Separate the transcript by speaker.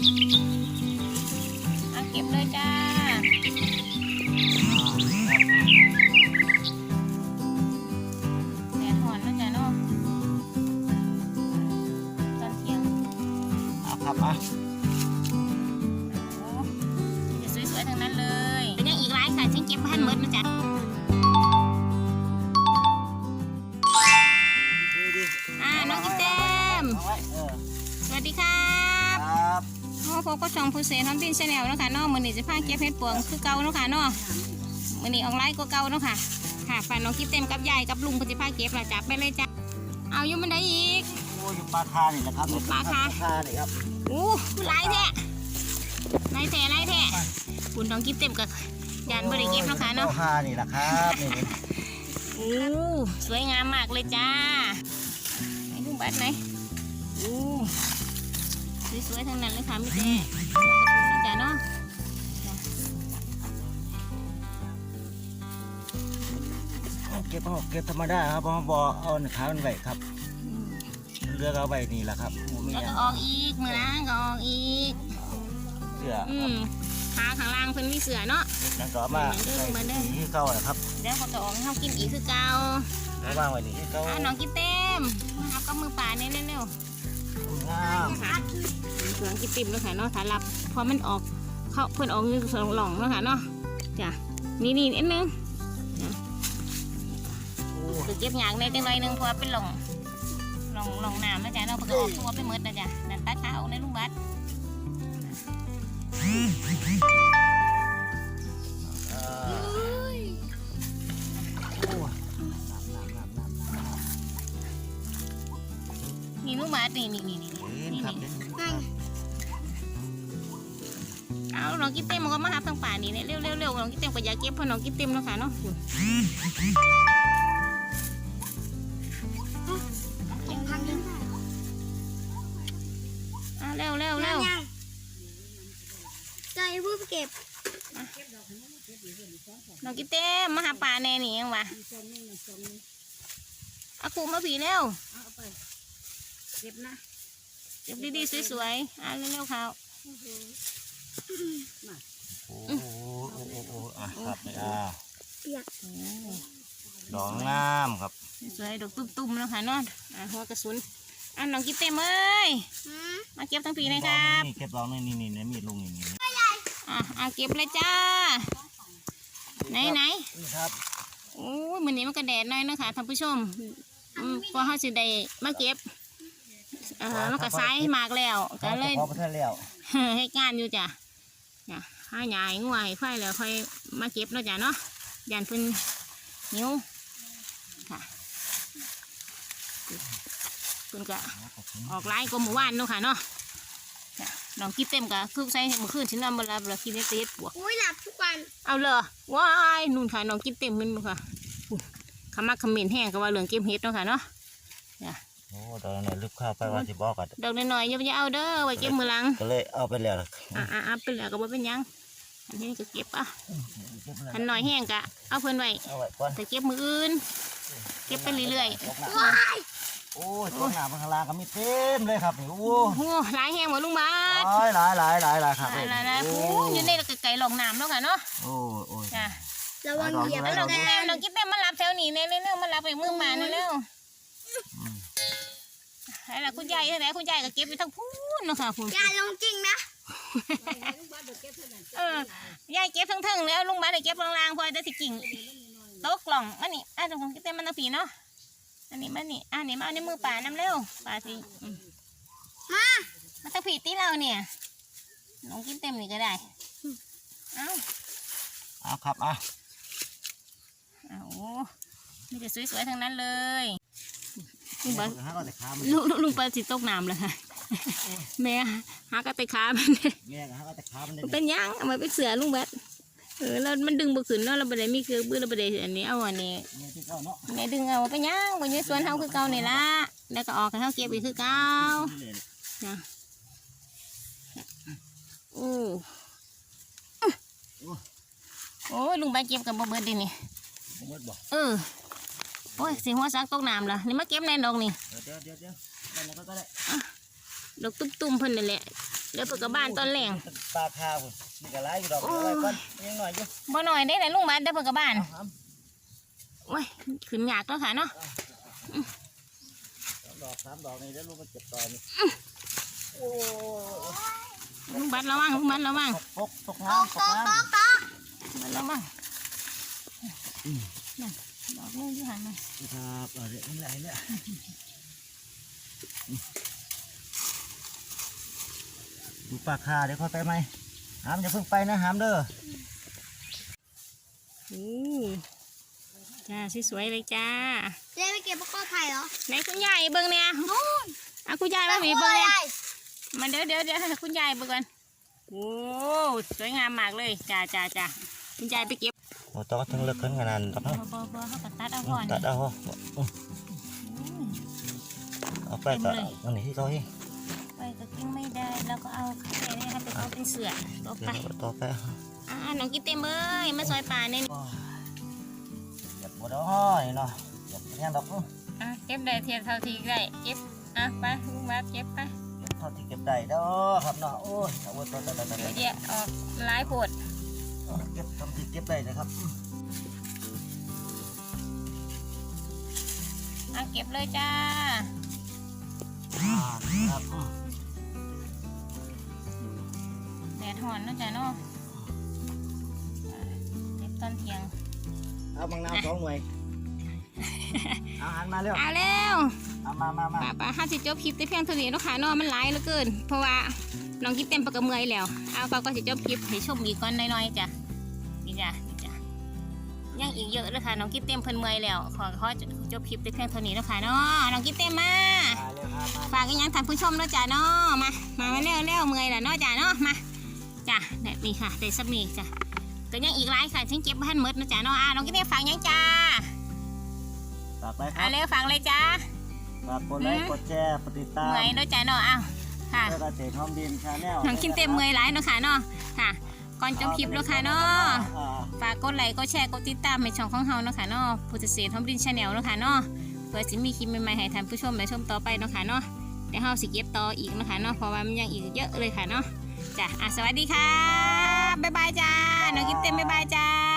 Speaker 1: เอาเก็บเลยจ้าแดดหอนแล้วจ้าเนาะตอนเที่ยง
Speaker 2: ครับอ่ะ
Speaker 1: โอ้จะสวยๆทั้งนั้นเลยเป็นยังอีกหลายค่ะฉันเก็บพันหมดนะจ๊ะน้องกิ๊บเต็มสวัสดีครับพบกับช่องผู้เสนน้ำบินชาแนลเนาะค่ะเนาะมื้อนี้จะพาเก็บเห็ดปวงคือเก่าเนาะค่ะเนาะมื้อนี้ออกไลน์ก็เก่าเนาะค่ะค่ะฝากน้องกิ๊บเต็มกับยายกับลุงปฏิภาเก็บเราจับไปเลยจ้ะเอาอยู่มันได้อีก
Speaker 2: โอ้ยปลาคานี่นะครับปลาคานี่ครับ
Speaker 1: อู้หลายแท้หลายแท้คุณน้องกิ๊บเต็มกับยานบริเก็บเนาะค่ะเนาะ
Speaker 2: ปลาคานี่แหละครับนี่
Speaker 1: อู้สวยงามมากเลยจ้าให้ลุงบัดไหนอู้สวยๆทั้งนั้นเลยค่ะพี่เต้จ้ะเนาะ
Speaker 2: เก็บธรรมดาครับเพราะบ่เอาขามันไว้ครับเลือกเอาไว้นี่แหละครับมี
Speaker 1: แล้วก็ออกอีกมือล้างก็ออกอีก
Speaker 2: เสื้อ
Speaker 1: ขาข้างล่างเพิ่นมีเสือเนาะ
Speaker 2: นั่นก็มาที่เก่านะครับ
Speaker 1: เดี๋ยวเขาจะออกให้เขากินอีกคือเก่า
Speaker 2: แล้ววางไว้นี่ที่เก่า
Speaker 1: น้องกินเต็มเอากับมือป่าเนี่ยเร็ว
Speaker 2: งาม
Speaker 1: ๆค่ะเสือกินติ่มเลยค่ะเนาะถ้ารับพอมันออกเขาเพิ่นออกนึงสองหล่องเนาะค่ะเนาะจ้ะนี่นิดนึงคือเก็บหยางในจังไรนึงเพราะเป็นหล่องน้ำนะจ๊ะเนาะเพิ่นก็ออกตัวไปหมดนะจ๊ะนั่นตัดขาออกในลุงบัดนี่ลุงบัดนี่เอาน้องกิ๊บเต็มมันก็มาหาทางป่านี่เนี่ยเร็วน้องกิ๊บเต็มก็อยากเก็บเพราะน้องกิ๊บเต็มแล้วค่ะเนาะเร็ว
Speaker 3: ใจผู้เก็บ
Speaker 1: น้องกิ๊บเต็มมาหาป่าแน่นี่ยังวะเอาคูมาผีเร็วเก็บนะเก็บดีๆสวยๆเร็วๆเขา
Speaker 2: โอ้ครับดอกงามครับ
Speaker 1: สวยดอกตุ้มๆแล้วค่ะเนาะหัวกระสุนน้องกิ๊บเต็มเอ้ยมาเก็บทั้งผีเลยครับ
Speaker 2: เก็บดอกนี่มีดลุงนี่
Speaker 1: เก็บเลยจ้าไหน
Speaker 2: ครับ
Speaker 1: โอ้ยมันนี้มันกระแดดหน่อยนะคะท่านผู้ชมพอเขาสิได้มาเก็บมันก็ซ้ายมากแล้วก็เลยให้งานอยู่จ้ะให้ใหญ่งวยไฟแล้วค่อยมาเก็บเนาะจ้ะเนาะยันเพิ่นนิ้วค่ะเพิ่นก็ออกไล่ก็หมู่บ้านเนาะค่ะเนาะน้องกิ๊บเต็มกะคือใส่เมื่อคืนฉันนำเวลากินได้เต็ดปวก
Speaker 3: หลับทุกวัน
Speaker 1: เอาเลยว้ายนุ่นค่ะน้องกิ๊บเต็มมันค่ะขมักขมิ้นแห้งก็ว่าเหลืองเก็บเห็ดเนาะค่ะเนาะ
Speaker 2: โอ้ดอกนี่ลึกเข้าไปว่าสิบอกกัน
Speaker 1: ดอกน้อยๆอย่าเอาเด้อไว้เก็บมือหลัง
Speaker 2: ก็เลยเอาไปแล้ว
Speaker 1: ไปแล้วก็บ่เป็นยังอันนี้ก็เก็บอันหน่อยแห้งกะเอาเพิ่นไว้แต่เก็บมืออื่นเก็บไปเรื่อย
Speaker 2: โอ้ยต้นหนาข้างล่างก็มีเต็มเลยครับนี่โอ้
Speaker 1: โหหลายแห้งหมดลุงบาส
Speaker 2: หลายครับ
Speaker 1: โอ้อยู่ในไก่หลงน้ำแล้วค่ะเนาะ
Speaker 2: โอ้
Speaker 1: จ้ะ
Speaker 3: ระวังเหยียบ
Speaker 1: น้องกิ๊บเต็มมารับแถวนี้เร็วมารับไปมือมาเร็วอะไรคุณยายอะไรคุณยายก็เก็บไปทั้งพูนเนาะค่ะคุณ
Speaker 3: ยายลงจริงนะ
Speaker 1: ยายเก็บทั้งแล้วลุงบาสได้เก็บล่างๆพอได้สิกิ่งโต๊ะกล่องอันนี้ตรงของกิ๊บเต็มมันตะผีเนาะอันนี้มานี่มาในมือป่าน้ำเร็วป่าสิมาตะผีตีเราเนี่ยน้องกิ๊บเต็มนี่ก็ได้
Speaker 2: เอาครับ
Speaker 1: นี่จะสวยๆทั้งนั้นเลยลุงปลาสิตกน้ำเลยค่ะแม่หากระต่ายขามันเป็นยังเอามาเป็นเสือลุงบัดแล้วมันดึงบุกขึ้นเนาะเราไปได้มีคือบื้อเราไปได้อันนี้เอาอันนี้แม่ดึงเอาไปย่างบนนี้สวนเท้าคือเก่านี่ละแล้วก็ออกกันเท้าเก็บอีกคือเก่านะโอ้ลุงใบเก็บกับบ่เบิดดินี่โอ้ยสีหัวซักตกน้ำละนี่มาเก็บแน่นดอกนี่ดอกตุ้มๆเพิ่นนั่นแหละเดี๋ยวเปิดกระบานตอนแหลง
Speaker 2: ปลาคาพุ่นนี่ก็หลายอยู่ดอกเอาไว้ก่อนยังหน่อยอยู่
Speaker 1: บ่หน่อยได้ไหนลุงบัดเดี๋ยวเปิดกระบาน
Speaker 2: เอา
Speaker 1: โอ้ยขึ้นยากแล้วค่ะเนาะ
Speaker 2: สามดอกนี่แล้วลูกมันเจ็บต่อนี่โอ้
Speaker 1: ลุงบัดระวังลุงบัดระวัง
Speaker 2: ตกน้ำตกน้ำ
Speaker 1: บัดระวังนั่นดอกนึงที่หันมา
Speaker 2: ครับเดี๋ยวนี่แหละเนี่ยดูปลาคาเดี๋ยวค่อยไปไหมหามอย่าเพิ่งไปนะหามเด้อ
Speaker 1: จ้าสวยๆเลยจ้า
Speaker 3: เจ๊ไปเก็บพวกกอไผ่เหรอ
Speaker 1: ไหนคุณยายเบิ่งเนี่ยนู่นเอาคุณยายมาหวีเบิ่งเนี่ยมันเดี๋ยวให้คุณยายเบิ่งก่อนโอ้สวยงามมากเลยจ้าคุณยายไปเก็บ
Speaker 2: โอ้ต้องถึงเลิกกันขนาดนั้น
Speaker 1: บ่เขาก็ตัดเอาก่อน
Speaker 2: ตัดเอาเอาไปก็อันนี้ที่เขาให้
Speaker 1: ไปก็กินไม่ได้แล้วก็เอาไข่เนี่ยไปเอาเป็นเสือต่อไป
Speaker 2: ต่อไป
Speaker 1: น้องกินเต็มเลยมาซอยป่าเนี่ย
Speaker 2: หยัดบัวดอยเนาะหยัดยังดอก
Speaker 1: เก็บได้เทียนเท่าที่ได้เก็บไปลุงบัดเก็บไป
Speaker 2: เท่าที่เก็บได้เด้อครับเนาะโอ้ยเอาไว้ต่อ
Speaker 1: เดี๋ยวออกหลายโพด
Speaker 2: เก็บทำที่เก็บได้นะครับ
Speaker 1: เก็บเลยจ้า
Speaker 2: ครับ
Speaker 1: แดดหอนนะจ้าเนาะเก็บตอนเที่ยง
Speaker 2: เอาบางนาว2 หน่วยเอาหันมาเร็ว
Speaker 1: เอาเร็ว
Speaker 2: เอามา
Speaker 1: ป้าห้าสิจบคลิปได้เพียงเท่านี้เนาะค่ะเนาะมันหลายเหลือเกินเพราะว่าน้องกิ๊บเต็มปากกระเมอยแล้วเอาป้าก็สิจบคลิปให้ชมอีกก่อนน้อยๆจ้ะนี่จ้ะยังอีกเยอะเลยค่ะน้องกิ๊บเต็มเพิ่นเมอยแล้วขอจบคลิปได้เพียงเท่านี้เนาะค่ะเนาะน้องกิ๊บเต็มมาฝากอีกอย่างท่านผู้ชมเนาะจ้ะเนาะมาเร็วเมอยแล้วเนาะจ้ะเนาะมาจ้ะนี่ค่ะได้สักนี่จ้ะก็ยังอีกหลายค่ะถึงเก็บบ้านหมดนะจ้ะเนาะน้องกิ๊บเต็มฝากยังจ้า
Speaker 2: ฝากไปครับ
Speaker 1: เร็วฝากเลยจ้า
Speaker 2: ฝากกดไลค์กดแชร์กดติดตาม
Speaker 1: เมอยเนาะจ้ะเนาะค่ะ
Speaker 2: เพื่อเกษตรหอมดินชาแนล
Speaker 1: น้องกินเต็มเมอยหลายเนาะค่ะเนาะค่ะ ก่อนจบคลิปเนาะค่ะเนาะฝากกดไลค์กดแชร์กดติดตามในช่องของเฮาเนาะค่ะเนาะผู้เกษตรทอมดินชาแนลเนาะค่ะเนาะเพื่อสิมีคลิปใหม่ๆให้ท่านผู้ชมได้ชมต่อไปเนาะค่ะเนาะเดี๋ยวเฮาสิเก็บต่ออีกเนาะค่ะเนาะเพราะว่ามันยังอีกเยอะเลยค่ะเนาะจ้ะสวัสดีค่ะบ๊ายบายจ้าน้องกินเต็มบ๊ายบายจ้า